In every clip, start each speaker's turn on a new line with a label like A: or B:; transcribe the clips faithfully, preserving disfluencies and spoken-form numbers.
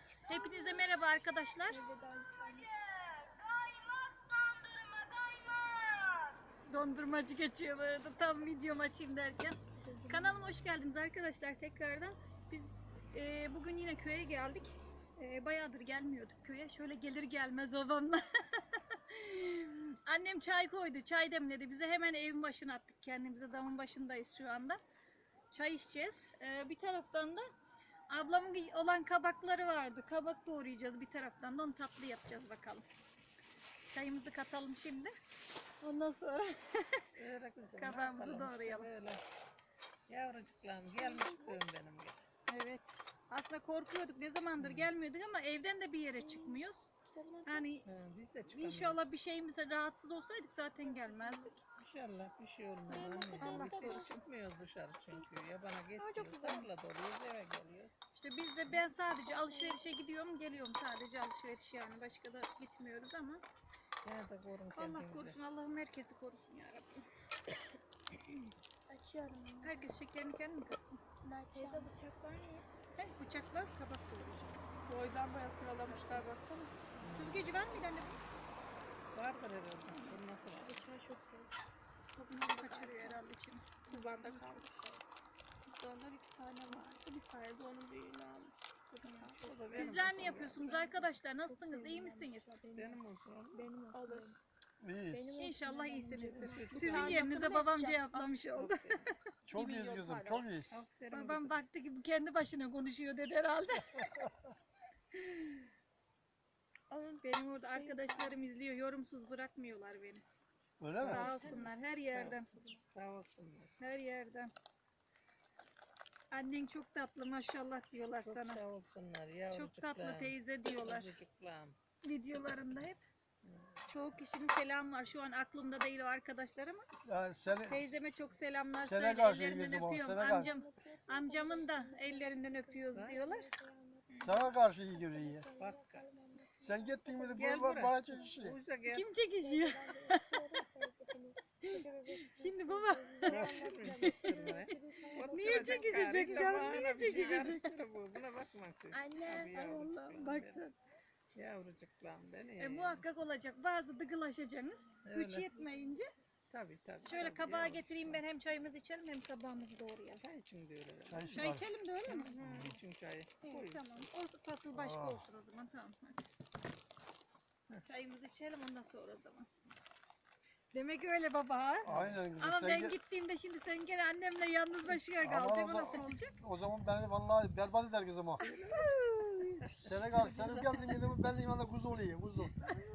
A: Hepinize merhaba arkadaşlar. Dondurmacı geçiyor böyle tam videom açayım derken. Kanalıma hoş geldiniz arkadaşlar tekrardan. Biz e, bugün yine köye geldik. E, bayağıdır gelmiyorduk köye. Şöyle gelir gelmez babamla. Annem çay koydu. Çay demledi. Bize hemen evin başına attık. Kendimize damın başındayız şu anda. Çay içeceğiz. E, bir taraftan da ablamın olan kabakları vardı. Kabak doğrayacağız bir taraftan da onu tatlı yapacağız bakalım. Çayımızı katalım şimdi. Ondan sonra kabağımızı doğrayalım.
B: Öyle. Yavrucuklarım gelmiş köyüm benim gibi.
A: Evet. Aslında korkuyorduk. Ne zamandır gelmiyorduk ama evden de bir yere çıkmıyoruz. Yani
B: Ha, biz de çıkamıyoruz.
A: inşallah bir şeyimize rahatsız olsaydık zaten gelmezdik.
B: İnşallah bir şey olmaz anne.
A: Allah
B: Biz hiç
A: korusun.
B: çıkmıyoruz dışarı çünkü. Yabana geçmiyoruz. Tarla doluyoruz eve geliyoruz.
A: İşte biz de ben sadece alışverişe gidiyorum geliyorum sadece alışveriş yani başka da gitmiyoruz ama
B: Gene de korun
A: Allah
B: kendinizi.
A: korusun Allah'ım herkesi korusun ya Rabbim.
C: Açıyorum.
A: Herkes şekerini kendi mi katsın?
C: Teyze bıçak var mı?
A: Hem bıçaklar kabak doğrayacağız.
C: Boydan boya sıralamışlar baksana.
A: Süzgeci var mıydı anne?
B: Vardır herhalde. Bu nasıl var?
C: Bıçağı çok seviyorum.
A: Bunları kaçırıyor herhalde içine.
C: Kubanda kalmış. Bizde ondan iki tane vardı. Bir tane de onun büyüğünü almış.
B: O da benim
A: Sizler
B: olsun
A: ne
B: ya.
A: yapıyorsunuz arkadaşlar? Nasılsınız? İyi misiniz?
B: Benim olsun oğlum.
C: Benim olsun. Olur.
D: İyiyiz.
A: İnşallah iyisinizdir.
B: Çok
A: Sizin
C: iyi.
A: yerinize babam cevaplamış oldu.
D: Çok iyiyiz kızım, çok iyiyiz.
B: Aferin
A: Babam
B: kızım.
A: baktı ki bu kendi başına konuşuyor dedi herhalde.
C: Onun
A: Benim orada arkadaşlarım izliyor. Yorumsuz bırakmıyorlar beni.
D: Öyle mi?
A: Sağ olsunlar her yerden.
B: Sağ olsunlar.
A: Her yerden. Annen çok tatlı maşallah diyorlar
B: Çok
A: sana.
B: sağ olsunlar
A: Çok
B: yavrucuklarım.
A: tatlı teyze diyorlar.
B: Yavrucuklarım.
A: Videolarında hep. Çoğu kişinin selam var. Şu an aklımda değil o arkadaşlar ama
D: Yani seni,
A: teyzeme çok selamlar
D: Sene
A: söyle.
D: karşı
A: Ellerinden
D: İngilizce baba,
A: öpüyorum.
D: sene karşı.
A: Amcam, amcamın da ellerinden öpüyoruz diyorlar.
D: sana karşı iyi görüyor iyi.
B: Bak.
D: Sen gittin mi de
B: Gel
D: bu
B: buraya.
D: bana çekişiyor.
B: Uza gel.
A: Kim çekişiyor? Şimdi baba niye çekişecek canım? Niye çekişecek?
B: Buna bakmasın.
C: Anne,
A: Ay Allah'ım baksana.
B: Yavrucuklarım beni.
A: E, muhakkak olacak. Bazı dıgılaşacaksınız. Güç
B: Öyle.
A: yetmeyince.
B: Tabii tabii.
A: Şöyle
B: tabii,
A: kabağı
B: yavrucuklarım.
A: getireyim ben hem çayımızı içelim hem kabağımızı doğrayalım.
B: Çay için de öyle.
D: Çay
A: Çay
D: içme.
A: içelim de öyle mi?
B: Hı, için çayı.
A: İyi,
B: Koy.
A: tamam. O fasıl başka
D: Aa.
A: olsun o zaman. Tamam. Hadi. Çayımızı içelim ondan sonra o zaman. Demek öyle baba ha?
D: Aynen kızım.
A: Ama
D: sen
A: ben
D: git-
A: gittiğimde şimdi sen gene annemle yalnız başına
D: Aman
A: kalacaksın. O
D: Allah.
A: nasıl olacak?
D: O zaman beni vallahi berbat eder kızım o. Sene kal, senin geldin gidin ben yanında kuzu olayım, kuzu.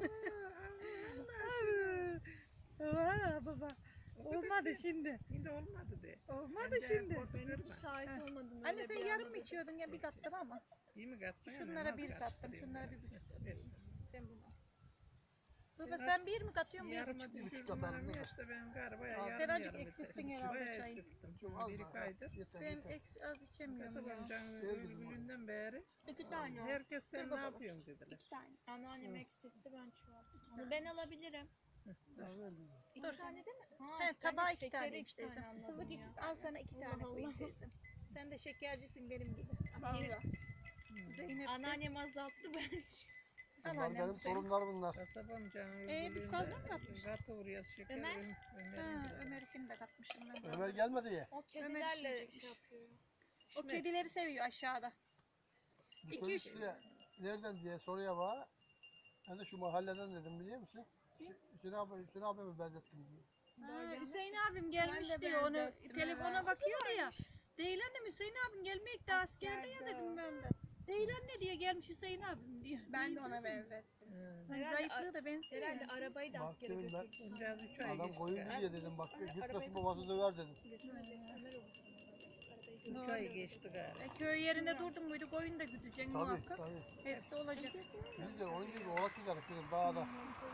A: Ha baba. Olmadı şimdi.
B: Şimdi olmadı de.
A: Olmadı
B: Ben de
A: şimdi.
B: korkuyorum
C: hiç
B: ben.
C: şahit
A: Ha.
C: olmadım.
A: Anne
C: öyle
A: sen
C: bir
A: yarım
C: anda
A: mı içiyordun ya bir kattım ama.
B: İyi mi kattın?
A: Şunlara
B: Nasıl
A: bir kattım,
B: karıştırayım
A: şunlara
B: ben?
A: bir buçuk.
B: Versin.
A: Sen bunu. Baba
B: Yarım-
A: sen bir mi katıyorsun bir
B: Yarıma
A: buçuk?
D: buçuk
B: düşürdüm
D: atarım,
B: anam
D: değil
B: ya
D: mi?
B: işte ben galiba
D: Aa,
B: yarım
A: sen azıcık
B: yarım
A: eksilttin
B: yeter.
A: herhalde
B: Bayağı
A: çayı.
B: eksilttim.
D: Çok az
B: Biri
D: daha.
B: kaydı.
D: Yeter,
A: Ben
D: yeter.
A: eks az içemiyorum
B: Kasap
A: ya.
B: amcanın
D: Ver kızım
B: ölümünden beri
C: İki tane.
B: herkes sen ne
A: baba.
B: yapıyorsun dediler.
C: İki tane. Anneannem eksiltti ben çoğalttım.
A: tane.
C: Ben alabilirim.
D: Ya ver kızım.
C: İki
A: Dur.
C: tane değil mi? Ha,
A: He
C: işte
A: tabağa
C: anne
A: iki tane
C: şekeri
A: işte.
C: iki tane anladım
A: Tabii
C: ya.
A: al sana iki tane
C: Allah
A: koyayım
C: Allah.
A: teyzem. Sen de şekercisin benim gibi.
C: Valla.
A: Zeynep de.
C: Anneannem azalttı ben.
A: Al
D: Bunlar
A: annem
D: benim
A: senin.
D: torunlar bunlar.
B: Kasap amcanın
A: Ee, biz
B: ölümünden
A: fazla mı katmışız?
B: katı oraya şeker.
C: Ömer?
B: Ömer.
A: Ha,
B: Ömer.
A: Ömer'inkini de katmışım ben. de.
D: Ömer gelmedi ya.
C: O
A: Ömer
C: kedilerle
A: içecekmiş.
C: şey yapıyor.
A: O kedileri seviyor aşağıda.
D: Bu
A: İki, üç-
D: çocuk diye, nereden diye soruya bana. Ben de şu mahalleden dedim biliyor musun? Hüs- Hüseyin abi, Hüseyin abi mi benzettim diye.
A: Ha, Hüseyin abim gelmiş
C: Ben de
A: diyor onu
C: benzettim,
A: telefona
C: evet.
A: bakıyor ya. Değil annem Hüseyin abim gelmek de askerde ya
C: Askerde
A: dedim
C: o.
A: ben de. Değil anne diye gelmiş Hüseyin abim diyor.
C: Ben de ona benzettim.
B: Hı.
A: Hani
C: Herhalde
A: zayıflığı da benziyor.
C: Herhalde
A: ya.
C: arabayı da
D: Bak
C: askere
D: dedim ben,
C: götürdü.
B: Biraz üç ay
D: adam
B: geçti.
D: koyuncu
B: Ha?
D: diye dedim bak
C: Arabayı-
D: gitmesin babası döver dedim.
C: Ömer oldu.
B: Üç ay geçti galiba.
A: E, köy yerinde durdun muydu koyun da güdeceksin
D: Tabii
A: muhakkak.
D: tabii.
A: Hepsi olacak.
D: Biz de onun gibi oğlak giderik kızım dağda.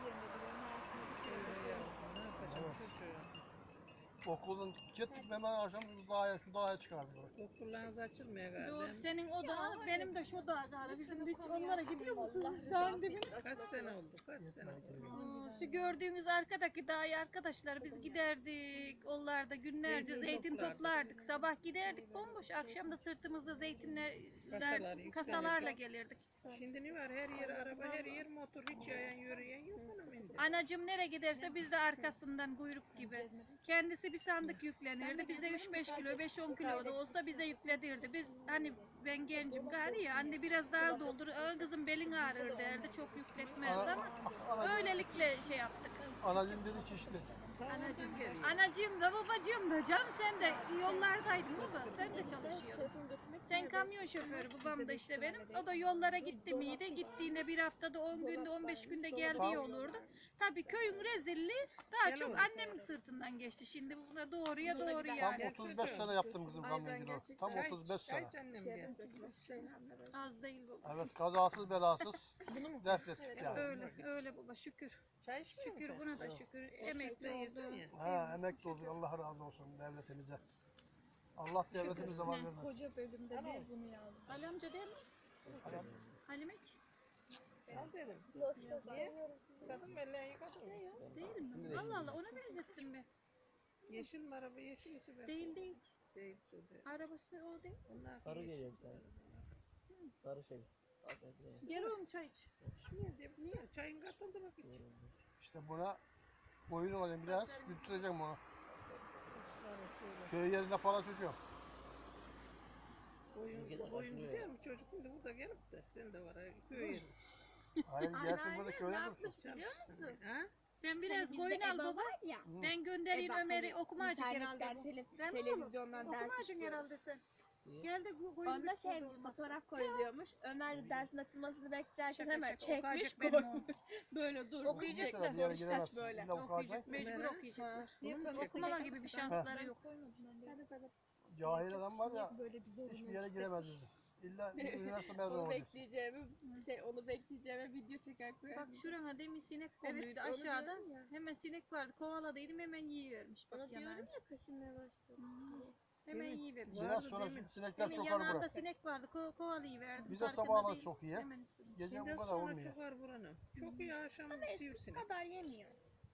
B: Öyle yavrum, ne yapacağım
D: Evet.
B: çocuğum?
D: Okuldan gittik hemen akşam şu dağa, şu dağa çıkardık.
B: Okullarınız açılmıyor galiba.
A: Doğru senin o da benim de şu da galiba. Bizim hiç
C: konuyu
A: onlara
C: açmayayım,
A: gidiyor musunuz?
C: Allah
A: Dağın
C: rızası
A: dibine.
C: için.
B: Kaç sene oldu? Kaç sene oldu?
A: Aa, Şu gördüğünüz arkadaki dağı arkadaşlar biz giderdik. Onlarda günlerce
B: Zeytin
A: zeytin
B: toplardık.
A: toplardık. Sabah giderdik bomboş. Akşam da sırtımızda zeytinler
B: Kasalar yüklenirdi.
A: kasalarla gelirdik.
B: Şimdi ne var? Her yer araba, her yer motor. Hiç yayan yürüyen yok onun indi.
A: Anacım nereye giderse biz de arkasından kuyruk gibi. Kendisi bir sandık yüklenirdi. Bize üç beş kilo, beş on kilo da olsa bize yükledirdi. Biz hani ben gencim gari ya anne biraz daha doldur. Aa, kızım belin ağrır derdi. Çok yükletmezdi ama
D: Ana,
A: öylelikle şey yaptık.
D: anacım dedi şişti.
A: Anacığım, anacığım da babacığım da canım sen de yollardaydın baba sen de çalışıyordun. Sen kamyon şoförü babam da işte benim. O da yollara gitti miydi? Gittiğinde bir haftada on günde on beş günde geldiği olurdu. Tabii köyün rezilliği daha çok annemin sırtından geçti. Şimdi buna doğruya doğru
D: Tam
A: yani.
D: otuz beş sene yaptım kızım kamyonculuğu. Tam
B: Çay-
D: otuz beş
B: çay
D: sene.
B: annem diye.
A: Az değil baba.
D: Evet, kazasız belasız dert ettik yani.
A: Öyle öyle baba şükür.
B: Çay içmiyor
A: Şükür
B: musun?
A: buna da şükür. Emekli oldu.
D: Ha, emekli oldu. Allah razı olsun devletimize. Allah devletimize var vermesin.
C: Koca bölümde bir bunu yazdım.
A: Ali amca değil mi? Halimeç?
B: Al dedim. Niye? Kadın belleği yıkadın mı?
A: Değil mi? Allah Allah ona benzettim be.
B: Yeşil mi araba? Yeşil ise ben.
A: Değil değil.
B: Değil sude.
A: Arabası o değil.
B: Onlar
E: Sarı
B: yeşil.
E: geliyor bir tane. Sarı şey. Hakikaten.
A: Gel oğlum çay iç.
B: Niye? diye- Niye? Çayın katıldı bak hiç.
D: İşte buna boyun olacağım biraz. Götüreceğim onu.
B: Sarı şöyle.
D: Köy yerinde para çocuğum.
B: Boyun,
E: Ülkeden
B: boyun
E: kaçırıyor
B: gidiyor
E: ya.
B: mu çocuk şimdi burada gelip de sen de var ha köy yeri.
D: Hayır gelsin burada köyde dursun.
B: Çalışsın. Ha?
A: Sen biraz koyun al baba.
C: Ya.
D: Hı.
A: Ben göndereyim
C: E bak,
A: Ömer'i
C: hani
A: okumacık herhalde
C: internetten,
A: bu.
C: tele-
A: Değil mi oğlum?
C: televizyondan ders
A: Okumacık
C: işliyoruz.
A: herhalde sen.
E: Niye?
A: Gel de koyun.
C: Onda
A: bir
C: şeymiş,
A: olmaz.
C: fotoğraf koyuluyormuş. Ömer de dersin açılmasını beklerken
A: Şaka
C: hemen
A: şaka,
C: çekmiş
A: okuyacak benim
C: koymuş.
A: oğlum.
C: Böyle durmuş.
A: Okuyacak
C: Şekle
A: da.
D: Bir yere
C: konuştaç
D: giremezsin.
C: böyle.
D: İlla
A: Okuyacak,
D: okuyacaksın.
A: mecbur
B: Ömer'e?
A: okuyacaklar.
B: Bunu mu çekecek?
A: Okumama gibi bir şansları yok.
D: Cahil adam var ya hiçbir yere giremez dedi. İlla üniversite mezunu
C: Onu
D: olacaksın.
C: bekleyeceğimi, şey onu bekleyeceğime video çeker koyar.
A: Bak şurana demin sinek
C: Evet,
A: konuydu
C: onu
A: aşağıda.
C: diyorum ya.
A: Hemen sinek vardı kovaladıydım hemen yiyivermiş. Bak
C: Onu diyorum
A: yanağına.
C: ya kaşınmaya başladı.
A: Hmm. Hemen
B: Evet.
A: yiyivermiş.
D: Biraz
B: Vardı
D: sonra
B: demin.
D: sinekler
A: Hemen
D: çokar
A: yanağında
D: bura.
A: sinek vardı ko kovalayıverdim.
D: Bir de
A: farkında
D: sabahları
A: değil.
D: çok iyi.
A: Hemen ısırmış.
D: Gece
B: Şimdi
D: bu kadar
B: sonra
D: olmuyor.
B: çıkar buranın. Çok iyi akşam
C: Eskisi
B: sivrisinek.
C: kadar yemiyor.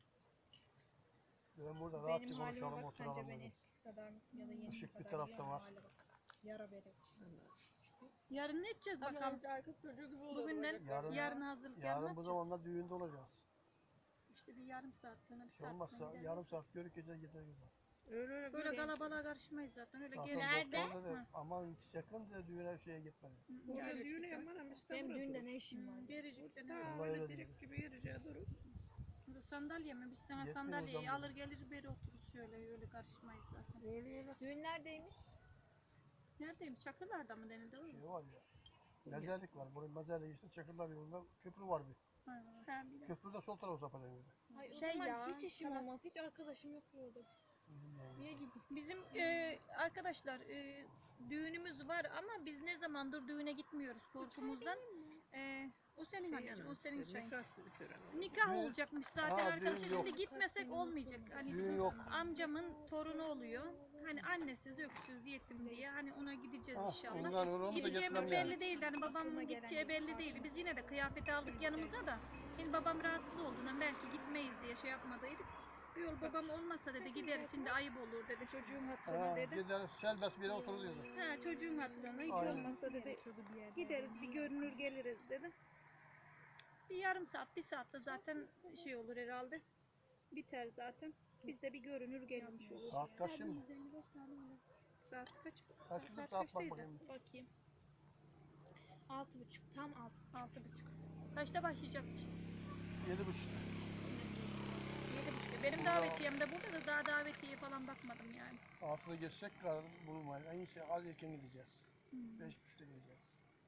D: Ben burada
F: Benim
D: rahatça
F: halime
D: konuşalım
F: bak
D: oturalım.
F: sence ben
D: dedim.
F: eskisi kadar ya da yeni
D: Işık bir
F: kadar
D: tarafta
F: yiyen
D: var.
F: hale bak. Yara bere.
A: Yarın ne edeceğiz
C: Ama
A: bakalım.
C: önce arka çocuğu gibi oluyor.
A: Bugünden
D: Yarın-
A: yarın hazırlık yarın ne
D: Yarın bu
A: yapacağız?
D: zamanda düğünde olacağız.
A: İşte bir yarım saat sonra bir
D: Hiç
A: saat
D: olmazsa
A: sonra gideriz.
D: yarım saat görük gece gideriz.
B: Öyle öyle
A: Böyle
B: göreyim.
A: kalabalığa karışmayız zaten öyle
D: Zaten
A: gelin.
C: Nerede?
D: doktor dedi,
A: Hı.
D: aman yakın da düğüne şeye gitmedi.
B: Burada
A: Yani
B: düğüne
A: işte-
B: yaman ama
F: Benim
B: İstanbul'da
F: düğünde
B: durur.
F: ne işim var?
A: Gericik'te
B: Ta
D: Vallahi
B: öyle
D: öyle
B: direkt gibi yürüyeceğe durur.
A: Burada sandalye mi? Biz sana
D: Yetmiyor
A: sandalyeyi
D: zaman.
A: alır gelir beri otururuz şöyle öyle karışmayız zaten.
B: Öyle öyle.
F: Düğün neredeymiş?
A: Neredeyim? Çakırlar'da mı denildi oğlum?
D: Şey var ya. Mezarlık var. Buraya mezarlık işte Çakırlar yolunda köprü var bir.
A: Ha.
D: Köprüde sol tarafa sapacağım dedi.
F: Ay, o
C: Şey
F: zaman
C: ya,
F: hiç işim
C: tamam.
F: olmaz. Hiç arkadaşım yok orada. Niye gibi?
A: Bizim e, arkadaşlar e, düğünümüz var ama biz ne zamandır düğüne gitmiyoruz korkumuzdan. E, o senin
B: Şey
A: anneciğim, o
B: yani,
A: senin
B: işte
A: çayın.
B: nikah töreni.
A: Nikah
D: Düğün-
A: olacakmış zaten
D: Aa,
A: arkadaşlar.
D: düğün yok.
A: Şimdi gitmesek olmayacak. Hani
D: Düğün
A: bizim
D: yok.
A: amcamın torunu oluyor. Hani annesiz, öksüz, yetim diye. Hani ona gideceğiz
D: Ah,
A: inşallah.
D: ondan onu da
A: Gideceğimiz
D: getirmem
A: belli
D: yani.
A: değildi. Hani babamın gideceği belli değildi. Biz yine de kıyafet aldık yanımıza da. Şimdi babam rahatsız olduğundan belki gitmeyiz diye şey yapmadıydık. Bir yol babam olmazsa dedi gideriz şimdi ayıp olur dedi çocuğun hatırına
D: Ha,
A: dedi.
D: gideriz serbest bir yere otururuz dedi.
A: Ha, çocuğun hatırına hiç
D: Aynen.
A: olmazsa dedi gideriz bir görünür geliriz dedi. Bir yarım saat bir saatte zaten şey olur herhalde. Biter zaten. Biz de bir görünür gelmiş olur.
D: Saat kaç şimdi?
A: Saat kaç?
D: Kaç kızım
A: Saat
D: saat bak
A: kaçtaydı?
D: bakayım.
A: Bakayım.
F: Altı buçuk. Tam altı.
A: Altı buçuk. Kaçta başlayacakmış?
D: Yedi buçuk.
A: Yedi buçukta. Benim davetiyem de burada da daha davetiye falan bakmadım yani.
D: Altıda geçecek karar bulunmayız. En iyisi az erken gideceğiz.
A: Hmm.
D: Beş buçukta gideceğiz.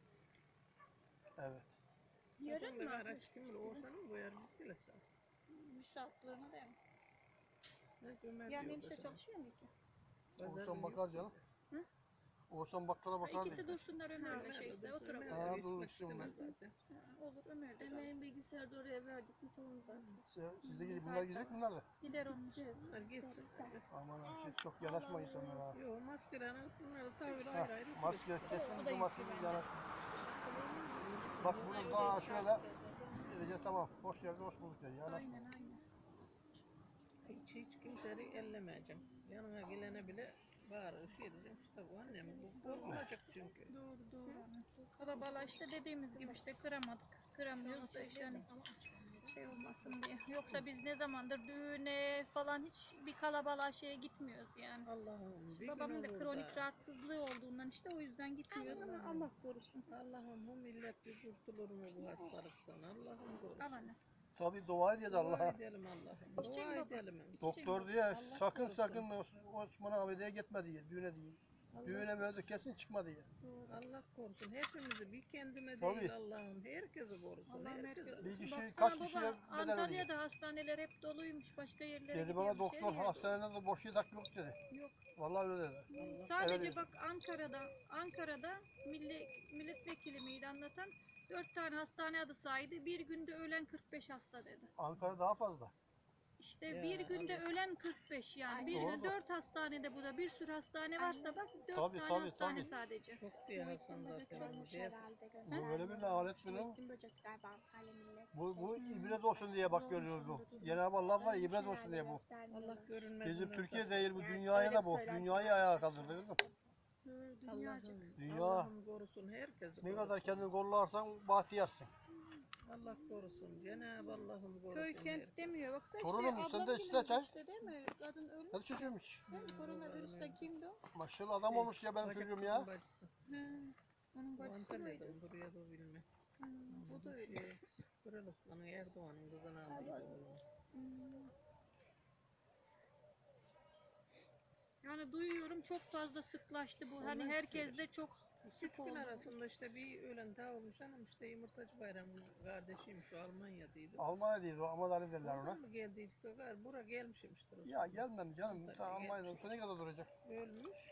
D: Evet.
C: Yarın
B: Yarın
C: mı?
B: araç kim bilir Oğuzhan'ı mı koyar biz gelirse.
A: Bir saatlığına da
B: Belki Ömer
A: Yarın
B: diyor
A: hemşire
B: zaten.
A: çalışıyor mu ki?
B: Pazar
D: Oğuzhan
B: günü
D: bakar canım.
A: Hı?
D: Oğuzhan bakkala bakar
A: İkisi
D: dedi.
A: dursunlar Ömer'le
B: Ömer
A: şeyse
B: de-
A: oturalım.
B: Ömer
D: Ha,
B: de
D: dur,
B: istek istemez
D: istemez.
B: zaten.
A: Ha, olur Ömer de.
C: Ömer'in bilgisayarda oraya verdik mi tamam zaten.
D: Siz- Siz de gidip bunlar gidecek bunlar da.
A: Gider onun.
B: Bunlar gitsin.
D: Aman abi şey çok yanaşma insanlara.
B: Yok maskeler alıp bunları tavır
D: Ha,
B: ayrı ayrı.
D: maske kesin bu maske yanaşma. Bak bunu daha şöyle Diyeceğiz tamam. Hoş geldin, hoş bulduk dedi. Yani
A: Aynen aynen.
B: Hiç hiç kimseyi ellemeyeceğim. Yanına gelene bile bağırır şey diyeceğim. İşte bu annem bu korkulacak çünkü.
A: Doğru doğru. Kalabalığa işte dediğimiz gibi işte kıramadık. Kıramıyoruz da işte hani şey olmasın diye. Yoksa biz ne zamandır düğüne falan hiç bir kalabalığa şeye gitmiyoruz yani.
B: Allah'ım bir
A: Babamın
B: gün
A: da
B: olur
A: kronik
B: da.
A: rahatsızlığı olduğundan işte o yüzden gitmiyoruz ama Allah korusun.
B: Allah'ım bu millet bir kurtulur mu bu hastalıktan? Allah'ım korusun.
A: Al anne.
D: tabii dua edeceğiz
B: Dua
D: Allah'a.
B: edelim Allah'ım. Dua
A: İçecek baba.
B: edelim.
D: Doktor diye
B: Allah
D: sakın
B: korusun.
D: sakın Os- Osman Ahmet'e gitme diye, düğüne diye. Düğüne böyle kesin çıkma diye.
B: Allah korusun. Hepimizi bir kendime
D: Tabii.
B: değil Allah'ım. Herkesi korusun.
A: Allah'ım
B: Herkesi.
A: herkes.
D: Bir kişi,
A: Baksana
D: kaç
A: baba,
D: kişiye bedel ödüyor.
A: Antalya'da hastaneler hep doluymuş. Başka yerlere
D: Dedi bana
A: gidiyormuş,
D: doktor
A: her yer
D: hastanede de boş yatak yok dedi.
A: dolu. Yok.
D: Vallahi öyle dedi.
A: Sadece
D: Evet.
A: bak Ankara'da, Ankara'da milli, milletvekili miydi anlatan dört tane hastane adı saydı. Bir günde ölen kırk beş hasta dedi.
D: Ankara daha fazla.
A: İşte
B: Ya,
A: bir günde
B: Allah.
A: ölen kırk beş yani.
F: Ay,
A: Bir
D: doğru.
A: günde dört hastanede bu da bir sürü hastane varsa bak dört
D: Tabii,
A: tane
D: tabii,
A: hastane
D: tabii.
A: sadece.
B: Çok diye Hasan
F: Muhittin Böcek
B: zaten.
F: olmuş
B: Diye-
F: herhalde.
D: Bu böyle bir lanet bir durum.
F: Muhittin Böcek galiba Antalya millet.
D: Bu, bu ibret olsun diye bak görüyoruz bu. Cenab-ı Allah var ya ibret olsun diye bu.
B: Allah görünmez.
D: Bizim Türkiye değil bu dünyaya da bu. Dünyayı ayağa kaldırdı kızım.
A: Hı, dünyacık.
B: Allah'ım,
D: Dünya.
B: Allah'ım korusun herkesi.
D: Ne
B: korusun.
D: kadar kendini kollarsan bahtiyarsın.
B: Allah korusun. Cenab-ı Allah'ım korusun.
A: Köy kent
B: herkesi.
A: demiyor. Baksana
D: Torunum,
A: işte
D: sen de
A: ablam
D: iste çay.
A: işte değil mi? Kadın ölmüş.
D: Hadi çocuğum iç.
A: Değil mi? Koronavirüsten kimdi o?
D: Maşallah adam olmuş ya benim çocuğum ya.
B: Bacıksın, bacısı.
A: He. Onun
B: Bu
A: bacısı
B: Antalya'da
A: mıydı?
B: buraya da bilme.
A: Hı, o da öyle.
B: Şey, Kral Osman'ın Erdoğan'ın kızını aldıydı.
A: Hmm. Yani duyuyorum çok fazla sıklaştı bu. Hani
B: Ondan
A: herkes de çok
B: Üç
A: sık
B: gün
A: oldu.
B: arasında işte bir ölen daha olmuş hanım işte Yumurtacı Bayramı'nın kardeşiymiş şu Almanya'daydı.
D: Almanya'daydı o Ahmet derler ona.
B: Oradan mı geldiydik o kadar? Bura gelmişmiştir. o
D: Ya
B: zaman.
D: gelmem canım.
B: Tabii,
D: Ta Almanya'da
B: gelmiş.
D: olsa ne kadar duracak?
B: Ölmüş.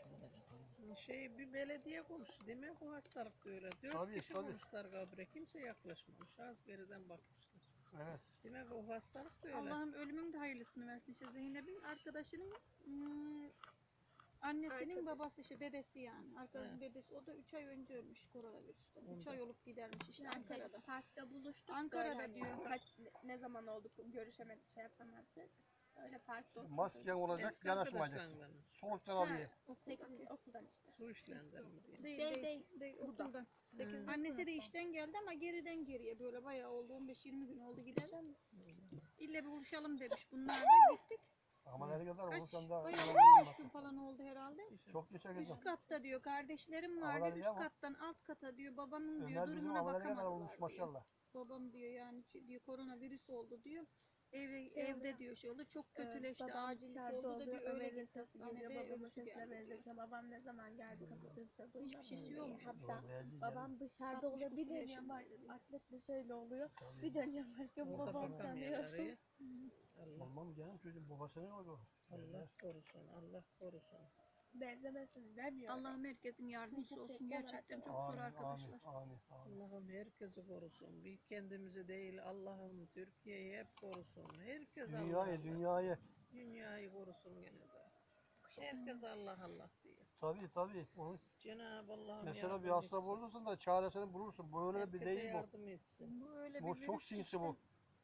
B: Şey bir belediye konuştu. Demek bu hastalık böyle. Dört
D: Tabii,
B: kişi
D: tabii.
B: konmuşlar kabre. Kimse yaklaşmamış. Az geriden bakmışlar.
D: Evet.
B: Demek o hastalık böyle.
A: Allah'ım ölümün de hayırlısını versin. İşte Zeynep'in arkadaşının hmm, annesinin
F: Arkadaş.
A: babası işte dedesi yani. Arkadaşın
B: He.
A: dedesi o da üç ay önce ölmüş koronavirüsten. üç
B: Ondan.
A: ay olup gidermiş işte
F: Yani şey,
A: Ankara'da.
F: parkta buluştuk.
A: Ankara'da
F: böyle hani
A: diyor.
F: Kaç, ne zaman olduk görüşemedik şey yapamadık. Öyle parkta oturduk.
D: Masken olacak,
B: Eski
D: yanaşmayacaksın.
B: arkadaşlarından
D: Soluktan alıyor.
F: Sekiz okuldan işte.
B: su işlendir mi diye.
A: Değil
F: Değil,
A: değil.
F: değil.
A: değil,
F: Burada.
A: okuldan.
F: Sekizinci
A: Annesi de
F: sınıfta.
A: işten geldi ama geriden geriye böyle bayağı oldu on beş yirmi gün oldu gidelim. İlle bir buluşalım demiş. Bunlar da gittik.
D: Ama ne kadar
A: Kaç?
D: olursan da
A: Bayağı on beş gün falan oldu herhalde.
D: çok geçer kızım.
A: Üst katta diyor kardeşlerim
D: Havalar
A: vardı.
D: iyi
A: Üst
D: ama.
A: kattan alt kata diyor babamın diyor
D: Ömer bizim
A: durumuna
D: havalar ne kadar olmuş
A: bakamadılar diyor.
D: maşallah.
A: Babam diyor yani ç- diyor koronavirüs oldu diyor. Ev,
F: Şey
A: evde
F: oluyor.
A: diyor şey oldu çok
F: Ee,
A: kötüleşti
F: babam
A: acillik
F: dışarıda
A: oldu da
F: oluyor,
A: diyor öyle
F: Ömer'in
A: bir
F: sesi geliyor,
A: hastanede
F: babamın
A: ölüsü
F: sesine
A: geldi diyor.
F: benziyor. Babam ne zaman geldi kapısını size duymadım.
A: Hiçbir şeysi yokmuş.
F: Hatta
D: Doğru, belli
F: babam dışarıda
A: altmış
F: oluyor, bir
A: dokuz
F: dönüyorum
A: yaşındaydı diyor.
F: atletle şöyle oluyor.
D: Tabii.
F: Bir dönüyorum bakıyorum
B: Orada
F: babam
B: bakamıyorlar.
F: sanıyorum.
B: iyi. Allah,
D: Olmam canım çocuğum babası ne oldu?
B: Allah korusun. Allah korusun.
F: Benzemesin demiyorum.
A: Allah'ım herkesin yardımcısı olsun. Gerçekten çok zor
D: Amin, amin,
A: arkadaşlar.
D: amin, amin.
B: Allah'ım herkesi korusun. Bir kendimizi değil Allah'ım Türkiye'yi hep korusun. Herkes Allah
D: Dünyayı,
B: Allah.
D: dünyayı.
B: Dünyayı korusun gene de. Herkes Allah Allah diye.
D: Tabii tabii. Onu
B: Cenab-ı Allah'ım
D: mesela
B: yardım
D: bir hasta
B: etsin.
D: bulursun da çaresini bulursun. Böyle bir
B: Herkese
D: değil bu.
B: yardım etsin.
A: Bu öyle
D: Bu
A: bir
D: çok
A: virüs
D: sinsi
A: işte.
D: bu.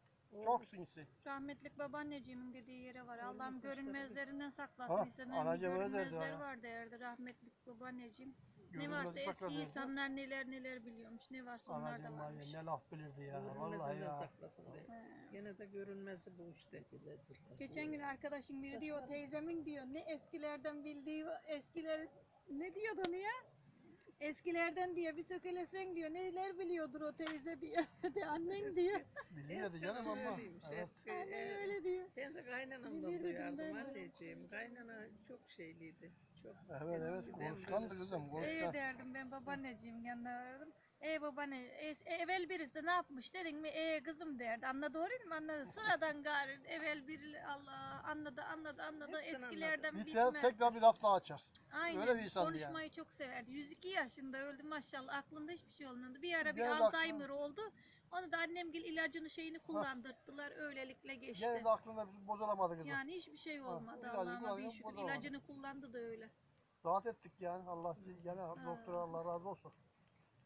B: O
D: Çok sinsi.
A: Rahmetlik babaanneciğimin dediği yere var. Allah'ım
B: Ölmesi işte
A: görünmezlerinden saklasın.
D: Ha,
A: İnsanın
D: anacığım öyle derdi
A: görünmezler
D: ya.
A: var derdi rahmetlik babaanneciğim. Ne
D: Görünmez
A: varsa
D: ufaklar
A: eski
D: derdi.
A: insanlar neler neler biliyormuş. Ne varsa onlar da
D: Anacığım var
A: varmış.
D: ya ne laf bilirdi ya. Vallahi
B: görünmezinden
D: ya.
B: saklasın diye.
A: He.
B: Gene de görünmesi bu işte.
A: Geçen gün arkadaşım biri diyor teyzemin diyor ne eskilerden bildiği eskiler ne diyordu onu ya? Eskilerden diyor bir sökelesen diyor neler biliyordur o teyze diyor. De annen diyor.
D: Biliyordu
B: Eskiden
D: canım ama.
B: öyleymiş,
D: Evet.
B: eski,
A: Annen
B: e,
A: öyle diyor.
B: Ben de kaynanamdan
A: Bilirdim
B: duyardım
A: ben de.
B: anneciğim. Kaynana çok şeyliydi. Çok
D: Evet evet
B: eskiden
D: konuşkandı
B: böyle
D: kızım
A: Ee
D: konuşkan.
A: derdim ben babaanneciğim yanına varırım. E babaanne es- e, evvel birisi ne yapmış dedin mi? E kızım derdi. Anladı doğru mu? Anladı. Sıradan gari evvel biri Allah anladı anladı anladı.
B: Hepsini
A: Eskilerden
D: Biter
A: bitmez.
D: tekrar bir laf daha açar.
A: Aynen.
D: Öyle bir insandı yani.
A: Konuşmayı çok severdi. yüz iki yaşında öldü maşallah. Aklında hiçbir şey olmadı. Bir ara bir
D: Gene de
A: Alzheimer oldu. Onu da annemgil ilacını şeyini kullandırttılar. Öylelikle geçti.
D: Gene de aklında bir bozulamadı kızım.
A: Yani hiçbir şey
D: Ha,
A: olmadı.
D: ilacını
A: Allah'ıma bin
D: kullanıyor,
A: şükür.
D: bozulamadı.
A: İlacını kullandı da öyle.
D: Rahat ettik yani. Allah gene doktora Allah razı olsun.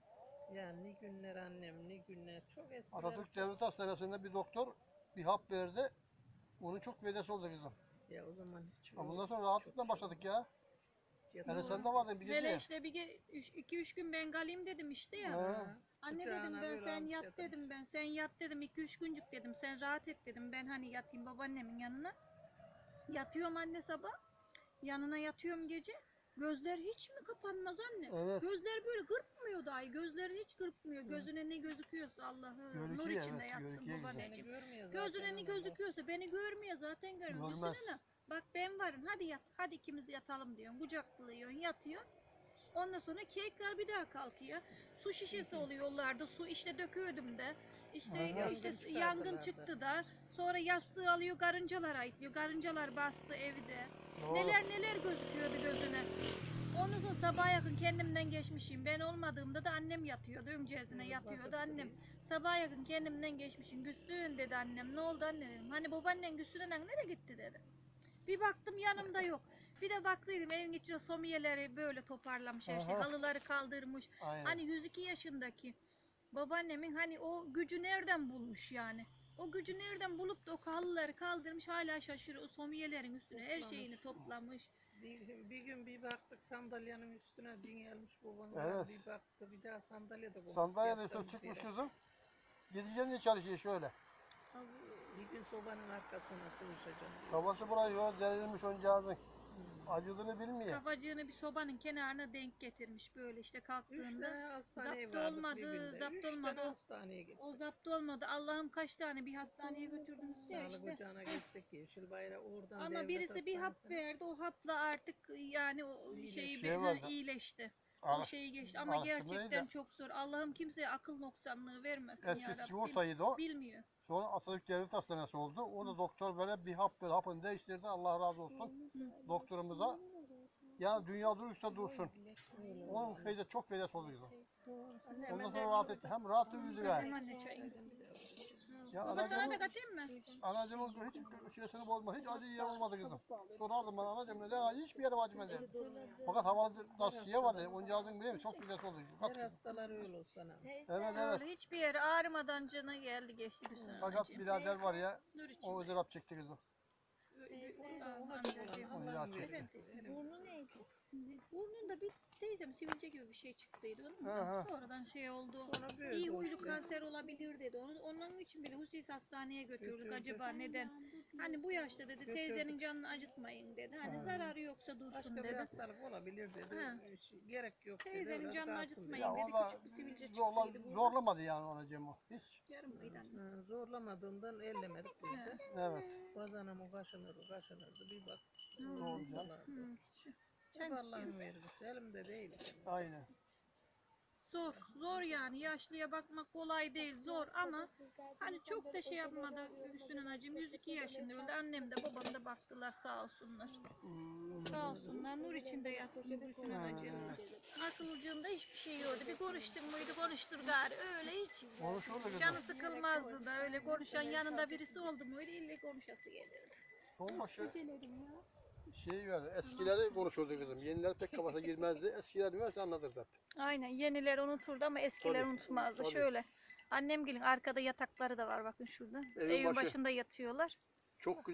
B: Yani ne günler annem, ne günler. Çok eskiler.
D: Atatürk Devlet Hastanesi'nde bir doktor bir hap verdi. Onun çok faydası oldu kızım.
B: Ya o zaman hiç
D: Ama
B: öyle
D: bundan sonra
B: çok
D: rahatlıkla başladık ya.
B: yatağım-
D: Yani sen de vardın bir
A: Hele
D: gece.
A: işte bir ge- üç, iki üç gün ben kalayım dedim işte ya.
D: Ha.
A: Anne
B: Kucağına
A: dedim ben
B: böyle
A: sen
B: almış
A: yat
B: yatırmış.
A: dedim ben sen yat dedim iki üç güncük dedim sen rahat et dedim ben hani yatayım babaannemin yanına. Yatıyorum anne sabah yanına yatıyorum gece gözler hiç mi kapanmaz anne?
D: Evet.
A: Gözler böyle gırpmıyor dahi gözlerin hiç gırpmıyor gözüne ne gözüküyorsa Allah'ı nur
D: Görüküyor,
A: içinde
D: evet,
A: yatsın
D: görüküyor güzel.
B: Seni
A: babaanneciğim.
B: görmüyor zaten
A: Gözüne ne
B: anam,
A: gözüküyorsa beni görmüyor zaten görmüyor.
D: Görmez.
A: Düşünsene, bak ben varım hadi yat hadi ikimiz yatalım diyorsun kucaklıyorsun yatıyor. Ondan sonra tekrar bir daha kalkıyor. Su şişesi oluyor yollarda. Su işte döküyordum da. İşte
D: Aha.
A: işte
B: Yangın
A: yangın
B: çıkardılar da.
A: çıktı da. Sonra yastığı alıyor garıncalar ayıtlıyor. Garıncalar bastı evde.
D: Doğru.
A: Neler neler gözüküyordu gözüne. Ondan sonra sabaha yakın kendimden geçmişim. Ben olmadığımda da annem yatıyordu. Öncezine
B: Evet,
A: yatıyordu
B: bakıp
A: annem.
B: duruyor.
A: Sabaha yakın kendimden geçmişim. Güslüğün dedi annem. Ne oldu anne dedim. Hani babaannen Güslü'den nereye gitti dedi. Bir baktım yanımda yok. Bir de baktıydım evin içine somiyeleri böyle toparlamış her şey.
D: Aha.
A: Halıları kaldırmış.
D: Aynen.
A: Hani yüz iki yaşındaki babaannemin hani o gücü nereden bulmuş yani? O gücü nereden bulup da o halıları kaldırmış hala şaşırıyor. O somiyelerin üstüne her
B: Toplamış.
A: şeyini toplamış.
B: Bir, bir gün bir baktık sandalyenin üstüne dingelmiş babam.
D: Evet.
B: Bir baktı bir daha sandalye de koymuş.
D: Sandalyede üstüne
B: yatırmış
D: çıkmış
B: yere.
D: kızım. Gideceğim diye çalışıyor şöyle.
B: Bir gün sobanın arkasına sıvışacağım.
D: Kafası buraya yol derilmiş oncağızın. Acıdığını bilmiyor.
A: Kafacığını bir sobanın kenarına denk getirmiş böyle işte
B: Üç
A: kalktığında.
B: tane hastaneye
A: zapt
B: vardık
A: olmadı,
B: bir günde.
A: zapt
B: Üç
A: olmadı.
B: tane hastaneye gittik.
A: O zapt olmadı. Allah'ım kaç tane bir hastaneye götürdünüz ya
B: Sağlık
A: işte.
B: ocağına gittik. Yeşil Bayrağı oradan
A: Ama
B: devlet
A: birisi bir hap
B: hastanesine.
A: verdi. O hapla artık yani o
B: İyileşti.
A: şeyi
D: Şey
A: bir- ha,
D: vardı.
A: iyileşti. O
D: Ara-
A: şeyi geçti ama
D: araştırmayı
A: gerçekten
D: da-
A: çok zor. Allah'ım kimseye akıl noksanlığı vermesin
D: Eski
A: ya Rabbim.
D: sigortaydı o.
A: Bilmiyor.
D: Sonra Atatürk Devlet Hastanesi oldu. Orada doktor böyle bir hap ver, hapını değiştirdi. Allah razı olsun doktorumuza. Ya dünya durursa dursun. Onun feyde çok faydası oldu kızım.
B: Annem
D: Ondan
B: de
D: sonra rahat
B: çok-
D: etti. Hem rahat uyudu yani.
A: Hemen ne çayın.
D: Ya
A: Baba sana da
D: anacığımın,
A: katayım mı?
D: anacığımın hiç şeysini bozma. Hiç acı yer olmadı kızım. Sorardım bana anacığım ne acı hiçbir yerim acımadı. Fakat havalı da şişe vardı. Oncağızın biliyor musun? Çok faydası oldu.
B: Her
D: Fakat,
B: hastalar öyle olsa ne?
D: evet evet.
A: Öyle hiçbir yere ağrımadan cana geldi geçti Hüsnü
D: Fakat
A: anneciğim.
D: birader var ya
A: Nur için.
D: o ızdırap çekti kızım.
A: Amcacığım.
D: Onu ilaç çekti.
C: Burnu neydi?
A: Burnunda bir teyzem sivilce gibi bir şey çıktıydı onun
D: Hı
A: da.
D: hı.
A: Sonradan şey oldu.
B: Sonra böyle
A: İyi
B: oldu
A: huylu
B: işte.
A: kanser olabilir dedi. Onun, onun için bile husus hastaneye götürdük.
B: Götürdük.
A: Acaba neden? Hani bu yaşta dedi
B: Götürdük.
A: teyzenin canını acıtmayın dedi. Hani
D: Ha.
A: zararı yoksa dursun
B: Başka bir
A: dedi.
B: hastalık olabilir dedi.
A: Ha.
B: Şey, gerek yok dedi.
A: Teyzenin
B: öyle
A: canını
B: kalsın
A: acıtmayın.
B: dedi.
D: Ya
A: dedi,
D: o da
A: küçük bir sivilce
D: zorla,
A: çıktıydı burada.
D: zorlamadı yani anacığım o. Hiç.
A: Yarım mıydı anne?
B: Ha, zorlamadığından ellemedik biz de.
D: Evet.
B: Bazanamı kaşınırdı kaşınırdı bir bak.
A: Hmm.
B: Oldular.
A: Hı.
B: Hep Allah'ın vergisi elimde değil.
D: Aynen.
A: Zor, zor yani. Yaşlıya bakmak kolay değil, zor ama hani çok da şey yapmadı Hüsnü acım. yüz iki yaşında öldü. Annem de babam da baktılar sağ olsunlar.
D: Hmm.
A: Sağ olsunlar. Nur içinde yatsın Hüsnü acım. Akılcığında hiçbir şey yoktu. Bir konuştun muydu konuştur gari. Öyle hiç.
D: Konuşuldu kızım.
A: Canı sıkılmazdı da öyle konuşan yanında birisi oldu muydu ille konuşası gelirdi.
D: Son başı şey var. Eskileri konuşuldu kızım. Yeniler pek kafasına girmezdi. Eskiler varsa anlatırdı hep.
A: Aynen yeniler unuturdu ama eskiler
D: Tabii,
A: unutmazdı.
D: tabii.
A: Şöyle annem gelin arkada yatakları da var bakın şurada.
D: Evin
A: Evin
D: başı.
A: başında yatıyorlar.
D: Çok güzel.